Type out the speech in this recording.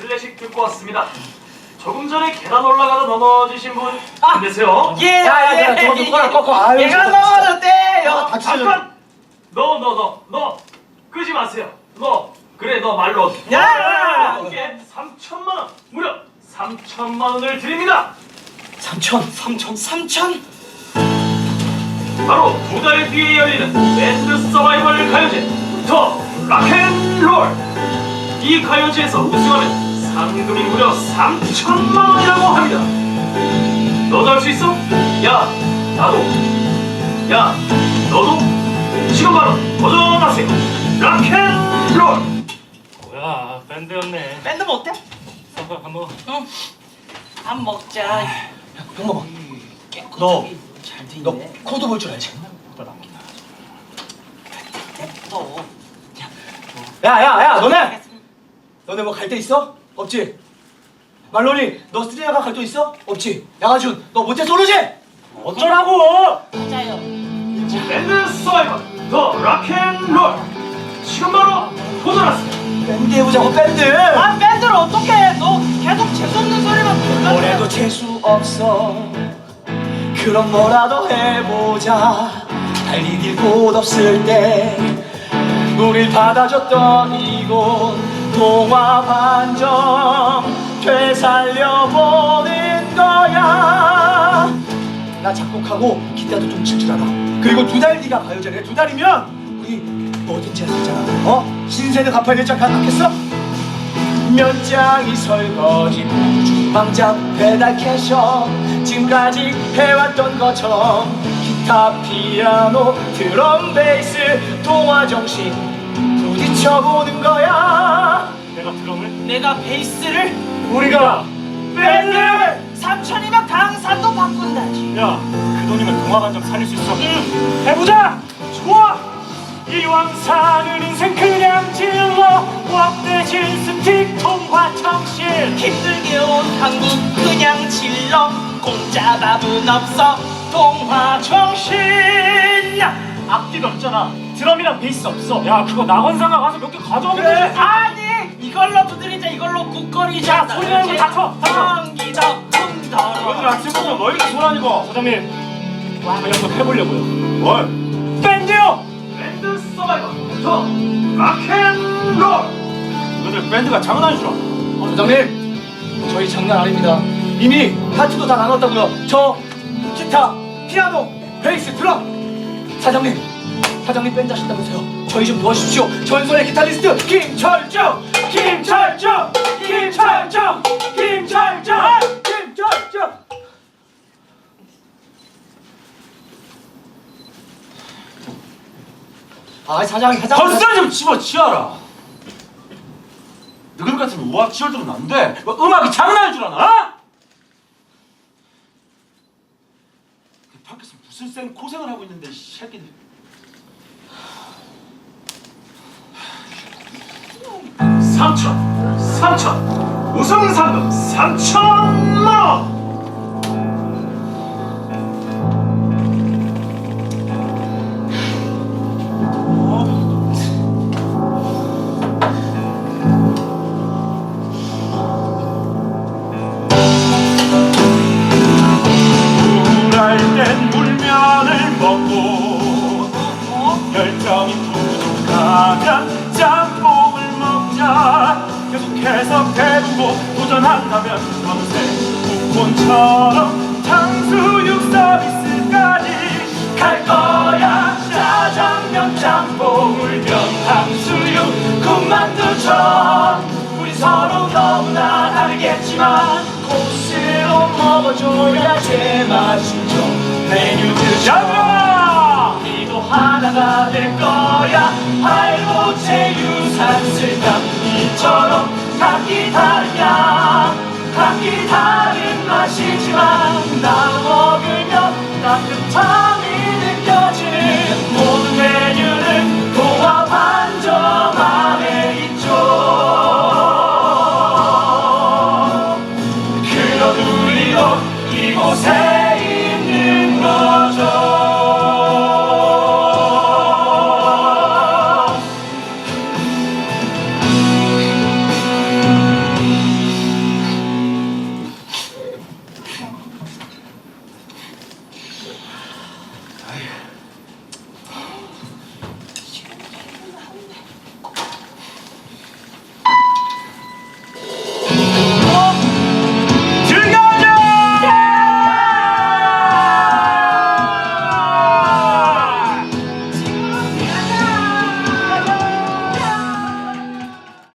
클래식 듣고 왔습니다. 조금 전에 계단 올라가다 넘어지신 분 계세요? 예, 저거 좀 꺼라. 아유, 얘가 진짜. 넘어졌대요. 잠깐! 너 끄지 마세요. 그래 너 말로 야! 이게 3천만 원, 무려 3천만 원을 드립니다. 3천? 바로 2달 뒤에 열리는 밴드 서바이벌 가요제 더 락앤롤. 이 가요제에서 우승하면 상금이 무려 3천만 원이라고 합니다. 너도 할 수 있어? 야 너도 지금 바로 도전하세요. 락앤롤. 뭐야, 밴드였네. 밴드 뭐 어때? 밥 먹어. 응. 밥 먹자. 병마봐. 깨끗하게 잘 너 돼있네. 코드 볼 줄 알지? 또. 야, 너네 뭐 갈 데 있어? 없지? 말로니, 너 스리아가 갈 데 있어? 없지? 양아준, 너 모태솔로지? 어쩌라고! 맞아요. 밴드 서바이벌 더 락앤롤. 지금 바로 도전하세요. 밴드 해보자고, 밴드! 아, 밴드를 어떻게 해? 너 계속 재수없는 소리만 듣는다. 올해도 재수 없어. 그럼 뭐라도 해보자. 달리길 곳 없을 때 우릴 받아줬던 이곳 동화 반점 되살려보는 거야. 나 작곡하고 기타도 좀 칠 줄 알아. 그리고 2달 뒤가 가요제래. 2달이면 우리 뭐든지 할 수 있잖아. 신세는 갚아야 될 장 갚겠어? 면장이 설거지 주방장 배달 캐셔 지금까지 해왔던 것처럼 기타 피아노 드럼 베이스 동화 정신 부딪혀보는 거야. 내가 드럼을? 내가 베이스를 우리가 밴드! 3천이면 강산도 바꾼다지. 야, 그 돈이면 동화관점 살릴 수 있어. 해보자! 좋아! 이왕 사는 인생 그냥 질러 왁대질 스틱 통화 청실. 힘들게 온 한국 그냥 질러. 공짜 밥은 없어 동화 정신. 악기도 없잖아. 드럼이랑 베이스 없어. 야, 그거 낙원상가 가서 몇 개 가져오면 그래. 되지. 아니 이걸로 두드리자. 이걸로 국거리자. 소리 내는 거 다쳐. 성기덕 흥더러. 오늘 아침부터 뭐 이렇게 소란이고. 사장님, 저희 한번 해보려고요. 뭘? 밴드요! 밴드 서바이벌 더 락앤롤. 너희들 밴드가 장난이죠? 사장님, 저희 장난 아닙니다. 이미 파트도 다 나눴다고요. 저 기타, 피아노, 베이스, 드럼. 사장님 밴드 하신다면서요. 저희 좀 도와주십시오. 전설의 기타리스트 김철정. 아, 사장. 건설 좀 집어치워라. 너희들 같은 우악 지열들은 안 돼. 뭐 음악이 장난인 줄 아나? 어? 밖에서 무슨 고생을 하고 있는데 이 새끼들. 3천 우승 상금 3천만 원. 우울할 땐 물면을 먹고 열정이 부족하면 짬뽕을 먹자. 계속해서 배우고 도전한다면 평생 국본처럼 탕수육 서비스까지 갈 거야. 짜장면 짬뽕 면 탕수육 군만두처럼 우리 서로 너무나 다르겠지만 코스로 먹어줘야 제맛이죠. 메뉴들처럼 우리도 하나가 될 거야. 할보채 유산슬감 이처럼 각기 다르냐. 각기 다른 맛이지만 나 먹으면 따뜻함이 느껴지는 모든 메뉴는 동화 반점 안에 있죠. 그런 우리도 이곳에 있는 거죠. 아휴,